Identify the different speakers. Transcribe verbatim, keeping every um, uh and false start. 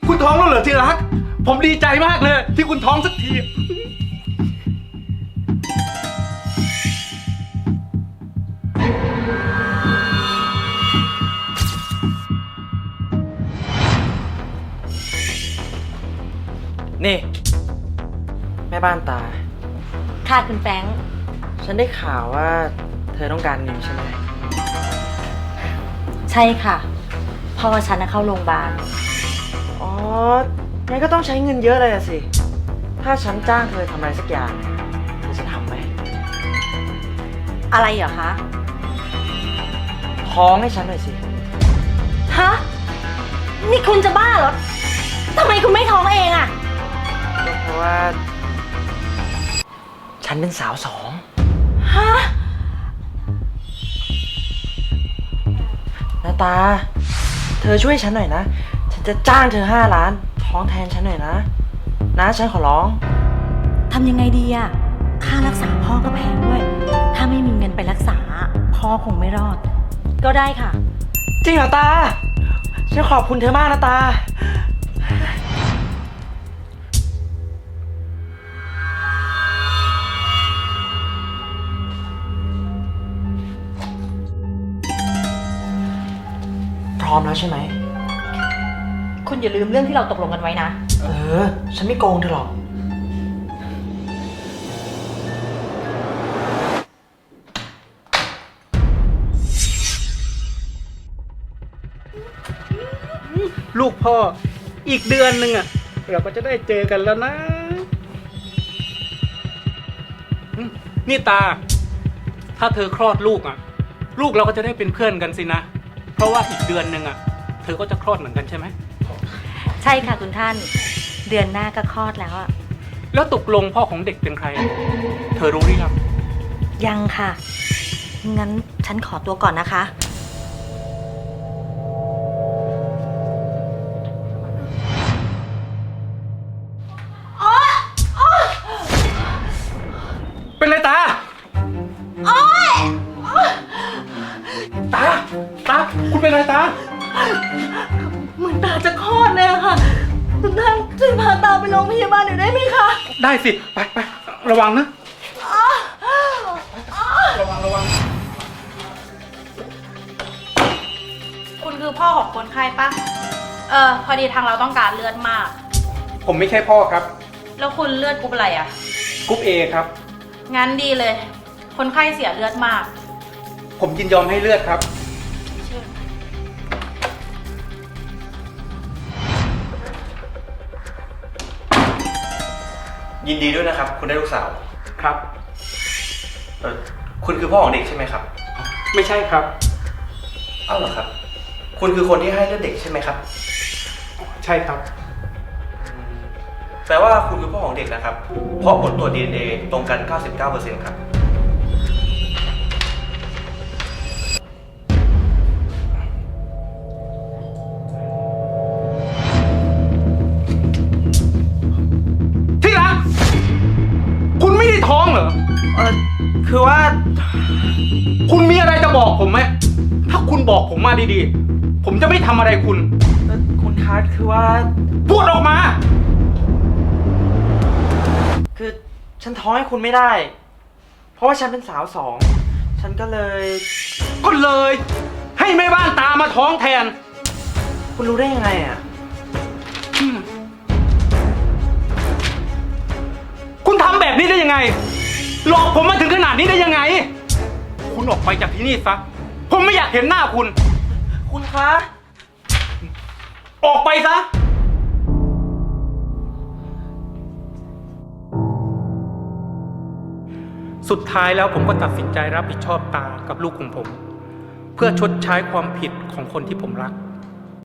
Speaker 1: คุณท้องแล้วเหรอที่รักผมดีใจมากเลยที่คุณท้องสักที
Speaker 2: นี่แม่บ้านตา
Speaker 3: ค่ะคุณแฟรงค์
Speaker 2: ฉันได้ข่าวว่าเธอต้องการเงินใช่ไหม
Speaker 3: ใช่ค่ะพ่อฉันน่ะเข้าโรงพยาบาล
Speaker 2: อ๋องั้นก็ต้องใช้เงินเยอะเลยอะสิ ถ้าฉันจ้างเธอทำอะไรสักอย่างเธอจะทำไหม
Speaker 3: อะไรเหรอคะ
Speaker 2: ท้องให้ฉันหน่อยสิ
Speaker 3: ฮะนี่คุณจะบ้าเหรอทำไมคุณไม่ท้องเองอะ
Speaker 2: ก็เพราะว่า ฉันเป็นสาวสอง
Speaker 3: ฮะ
Speaker 2: นาตา เธอช่วยฉันหน่อยนะ ฉันจะจ้างเธอห้าล้าน ท้องแทนฉันหน่อยนะ นะฉันขอร้อง
Speaker 3: ทำยังไงดีอะค่ารักษาพ่อก็แพงด้วย ถ้าไม่มีเงินไปรักษาพ่อคงไม่รอด ก็ได้ค่ะ
Speaker 2: จริงเหรอตา ฉันขอบคุณเธอมากนะตา พร้อมแล้วใช่ไหม
Speaker 3: คุณอย่าลืมเรื่องที่เราตกลงกันไว้นะ
Speaker 2: เออ ฉันไม่โกงเธอหรอก
Speaker 1: ลูกพ่ออีกเดือนหนึ่งอะเราก็จะได้เจอกันแล้วนะอืมนี่ตา ถ้าเธอคลอดลูกอะลูกเราก็จะได้เป็นเพื่อนกันสินะเพราะว่าอีกเดือนหนึ่งอะเธอก็จะคลอดเหมือนกันใช่ไหม
Speaker 3: ใช่ค่ะคุณท่าน เดือนหน้าก็คลอดแล้วอะ
Speaker 1: แล้วตกลงพ่อของเด็กเป็นใคร เธอรู้หรือยัง
Speaker 3: ยังค่ะ งั้นฉันขอตัวก่อนนะคะ
Speaker 1: เป็นไรตาตา ตา คุณเป็นไรตา
Speaker 3: เหมือนตาจะคลอดเลยอะค่ะคุณท่านช่วยพาตาไปโรงพยาบาลหน่อยได้ไหมคะ
Speaker 1: ได้สิ ไปไประวังนะ ระวังระวัง
Speaker 4: คุณคือพ่อของคนไข้ปะเออ พอดีทางเราต้องการเลือดมาก
Speaker 1: ผมไม่ใช่พ่อครับ
Speaker 4: แล้วคุณเลือดกรุ๊ปอะไรอะ
Speaker 1: กรุ๊ปเอครับ
Speaker 4: งั้นดีเลย คนไข้เสียเลือดมาก
Speaker 1: ผมยินยอมให้เลือดครับ
Speaker 5: ยินดีด้วยนะครับ คุณได้ลูกสาว
Speaker 1: ครับ
Speaker 5: เออคุณคือพ่อของเด็กใช่ไหมครับ
Speaker 1: ไม่ใช่ครับ
Speaker 5: เอ้าเหรอครับ คุณคือคนที่ให้เลือดเด็กใช่ไหมครับ
Speaker 1: ใช่ครับ
Speaker 5: แปลว่าคุณคือพ่อของเด็กนะครับ เพราะผลตรวจ ดี เอ็น เอ ตรงกัน เก้าสิบเก้าเปอร์เซ็นต์ ครับ
Speaker 1: ที่รัก คุณไม่ได้ท้องเหรอ
Speaker 2: เออคือว่า
Speaker 1: คุณมีอะไรจะบอกผมไหม ถ้าคุณบอกผมมาดีๆ ผมจะไม่ทำอะไรคุณ
Speaker 2: เอ่อคุณคาร์ดคือว่า
Speaker 1: พูดออกมา
Speaker 2: คือฉันท้องให้คุณไม่ได้ เพราะว่าฉันเป็นสาวสอง ฉันก็เลย
Speaker 1: ก็เลย ให้แม่บ้านตามาท้องแทน
Speaker 2: คุณรู้ได้ยังไงอ่ะ
Speaker 1: อืมคุณทำแบบนี้ได้ยังไง หลอกผมมาถึงขนาดนี้ได้ยังไง คุณออกไปจากที่นี่ซะ ผมไม่อยากเห็นหน้าคุณ
Speaker 2: คุณคะ
Speaker 1: ออกไปซะ สุดท้ายแล้วผมก็ตัดสินใจรับผิดชอบตากับลูกของผม เพื่อชดใช้ความผิดของคนที่ผมรัก